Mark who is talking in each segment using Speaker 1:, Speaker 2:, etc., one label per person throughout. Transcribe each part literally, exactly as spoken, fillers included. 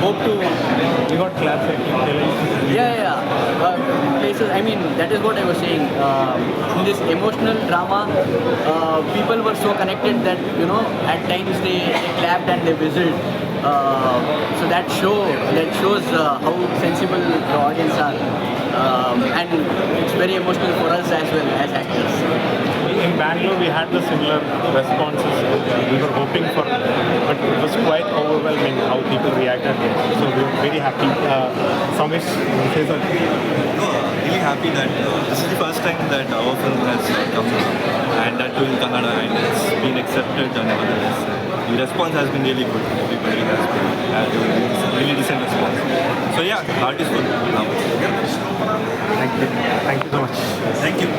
Speaker 1: hope to.
Speaker 2: You got claps like
Speaker 1: Yeah, yeah, yeah. Uh, places. I mean, that is what I was saying. Uh, in this emotional drama, uh, people were so connected that you know, at times they, they clapped and they whistled. Uh, so that show that shows uh, how sensible the audience are, um, and it's very emotional for us as well as actors.
Speaker 2: In Bangalore, we had the similar responses we were hoping for, but it was quite overwhelming how people reacted. So we were very happy. Uh, Samesh, say something.
Speaker 3: No, really happy that uh, this is the first time that our film has come out, and that too in Kannada, and it's been accepted. And nevertheless, the response has been really good. Everybody has been had a really decent response. So yeah, heart is full now.
Speaker 2: Thank you. Thank you so much.
Speaker 3: Thank you.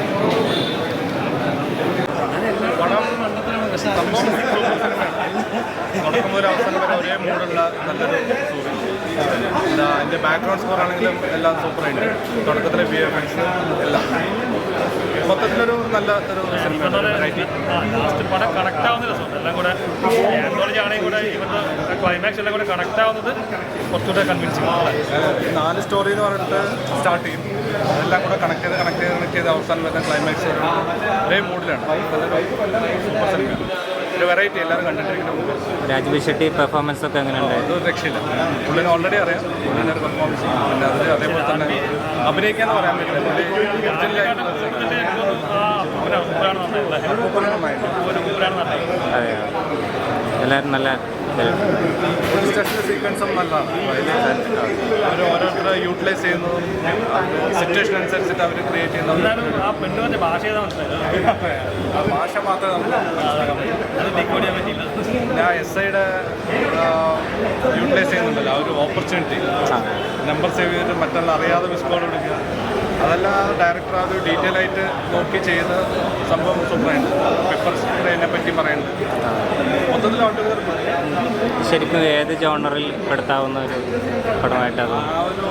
Speaker 4: തുടക്കം മുതൽ അവസാനം വരെ ഒരേ മൂടുള്ള നല്ലൊരു story. എന്താ അതിൻ്റെ background score ആണെങ്കിലും എല്ലാം സൂപ്പറായിട്ട് തുടക്കത്തിലെ വി എഫ് എക്സ് എല്ലാം മൊത്തത്തിലൊരു നല്ല ഒരു സിനിമ.
Speaker 5: ലാസ്റ്റ് പടം കണക്ട് ആവുന്ന രസമുണ്ട്. എല്ലാം കൂടെ ആന്തോളജി ആണെങ്കിൽ കൂടെ ഇവരുടെ ക്ലൈമാക്സ് എല്ലാം കൂടെ കണക്ട് ആവുന്നത് കുറച്ചുകൂടെ കൺവിൻസിങ് ആണ്.
Speaker 4: നാല് സ്റ്റോറി എന്ന് പറഞ്ഞിട്ട് സ്റ്റാർട്ട് ചെയ്യും, അതെല്ലാം കൂടെ കണക്ട് ചെയ്ത് കണക്ട് ചെയ്ത് കണക്ട് ചെയ്ത് അവസാനം വരുന്ന ക്ലൈമാക്സ് ഒരേ മൂഡിലാണ്. നല്ലൊരു സൂപ്പർ സിനിമയാണ്, ഒരു വെറൈറ്റി എല്ലാവരും കണ്ടിട്ടിരിക്കുന്ന.
Speaker 6: രാജ്ബി ഷെട്ടി പെർഫോമൻസ് ഒക്കെ എങ്ങനെയുണ്ട്?
Speaker 4: അതൊരു രക്ഷയില്ല. പുള്ളിനെ ഓൾറെഡി അറിയാം, പുള്ളിനെ ഒരു പെർഫോമൻസ് ചെയ്യും. പിന്നെ അതിൽ അതേപോലെ തന്നെ അഭിനയിക്കാന്ന് പറയാൻ പറ്റില്ല. പുള്ളി
Speaker 6: അതെ, എല്ലാവരും നല്ല
Speaker 4: സ്റ്റെപ്പ് സീക്വൻസും നല്ലതാണ്. അവർ ഓരോരുത്തരെ യൂട്ടിലൈസ് ചെയ്യുന്നതും സിറ്റുവേഷൻ അനുസരിച്ചിട്ട് അവർ ക്രിയേറ്റ് ചെയ്യുന്നതും.
Speaker 5: ആ പെണ്ണുവിൻ്റെ ഭാഷ ഏതാ മനസ്സിലായത്?
Speaker 4: ആ ഭാഷ മാത്രമേ നമുക്ക് ഞാൻ എസ് ഐയുടെ യൂട്ടിലൈസ് ചെയ്യുന്നുണ്ടല്ലോ, ആ ഒരു ഓപ്പർച്യൂണിറ്റി നമ്പർ സേവ് ചെയ്തിട്ട് മറ്റുള്ള അറിയാതെ മിസ് കോൾ കൊടുക്കുക, അതെല്ലാം ഡയറക്ടർ അത് ഡീറ്റെയിൽ ആയിട്ട് നോക്കി ചെയ്ത് സംഭവം സൂപ്പറായിട്ട് പെപ്പർ സ്പ്രേനെ പറ്റി പറയുന്നുണ്ട്. മൊത്തത്തിൽ ഓട്ടോഗ്രാഫ്
Speaker 6: ശരിക്കും ഏത് ജോണറിൽ പെടുത്താവുന്ന ഒരു പടമായിട്ടത്?
Speaker 4: ആ ഒരു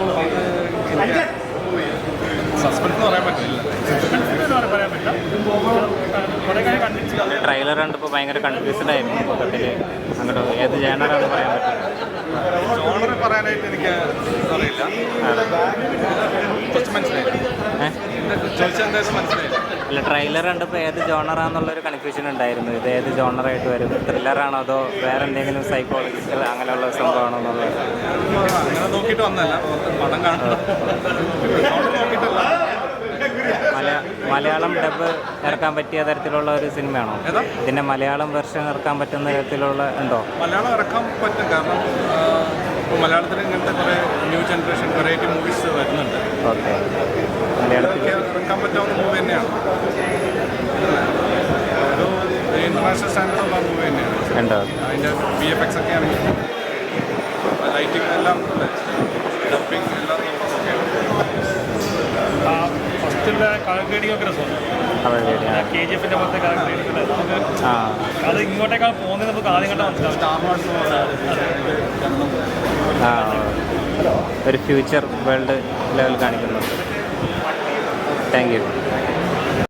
Speaker 4: സസ്പെൻസ് എന്ന് പറയാൻ പറ്റില്ല.
Speaker 5: പറയാൻ പറ്റില്ല.
Speaker 6: ട്രെയിലർ കണ്ടപ്പോൾ ഭയങ്കര കൺഫ്യൂസ്ഡ് ആയിരുന്നു മൊത്തത്തിൽ. അങ്ങോട്ട് ഏത് ജോണറാണെന്ന് പറയാൻ പറ്റില്ല.
Speaker 4: ജോണർ പറയാനായിട്ട് എനിക്ക് അറിയില്ല. കുറച്ച് മനസ്സിലായില്ല, ചോദിച്ചാൽ എന്തായാലും മനസ്സിലായില്ല.
Speaker 6: അല്ല, ട്രെയിലർ കണ്ടപ്പോൾ ഏത് ജോണറാന്നുള്ളൊരു കൺഫ്യൂഷൻ ഉണ്ടായിരുന്നു. ഇത് ഏത് ജോണറായിട്ട് വരും? ത്രില്ലറാണോ അതോ വേറെ എന്തെങ്കിലും സൈക്കോളജിക്കൽ അങ്ങനെയുള്ള സംഭവമാണോ എന്നുള്ളത്
Speaker 4: അങ്ങനെ നോക്കിയിട്ട് വന്നല്ല, പടം കാണുന്നത് നോക്കിയിട്ടല്ല.
Speaker 6: മലയാ മലയാളം ഡബ് ഇറക്കാൻ പറ്റിയ തരത്തിലുള്ള ഒരു സിനിമയാണോ? ഇതിൻ്റെ മലയാളം വെർഷൻ ഇറക്കാൻ പറ്റുന്ന തരത്തിലുള്ള ഉണ്ടോ?
Speaker 4: മലയാളം ഇറക്കാൻ പറ്റും, കാരണം ഇപ്പോൾ മലയാളത്തിൽ ഇങ്ങനത്തെ കുറേ ന്യൂ ജനറേഷൻ വെറൈറ്റി മൂവീസ് വരുന്നുണ്ട്.
Speaker 6: ഓക്കെ, മലയാളത്തിൽ
Speaker 4: ഇറക്കാൻ പറ്റാവുന്ന മൂവി തന്നെയാണ്. ഒരു ഇൻ്റർനാഷണൽ സ്റ്റാൻഡേർഡുള്ള മൂവി തന്നെയാണ്.
Speaker 6: ഉണ്ടോ?
Speaker 4: അതിൻ്റെ വി എഫ് എക്സ് ഒക്കെ ആണെങ്കിൽ ലൈറ്റിംഗ് എല്ലാം ഡബിങ് എല്ലാം
Speaker 5: ഫസ്റ്റിൻ്റെ കളർ ഗ്രേഡിംഗ് ഒക്കെ രസമുണ്ട്. കെ ജി എഫിൻ്റെ പോലത്തെ കളർ ഗ്രേഡിംഗ് നമുക്ക് അത് ഇങ്ങോട്ടേക്കാൾ പോകുന്നത് നമുക്ക് ആദ്യം കണ്ടാൽ മനസ്സിലാവും.
Speaker 4: സ്റ്റാർ വാർസ്
Speaker 6: ആ, ഒരു ഫ്യൂച്ചർ വേൾഡ് ലെവൽ കാണിക്കുന്നുണ്ട്. Thank U.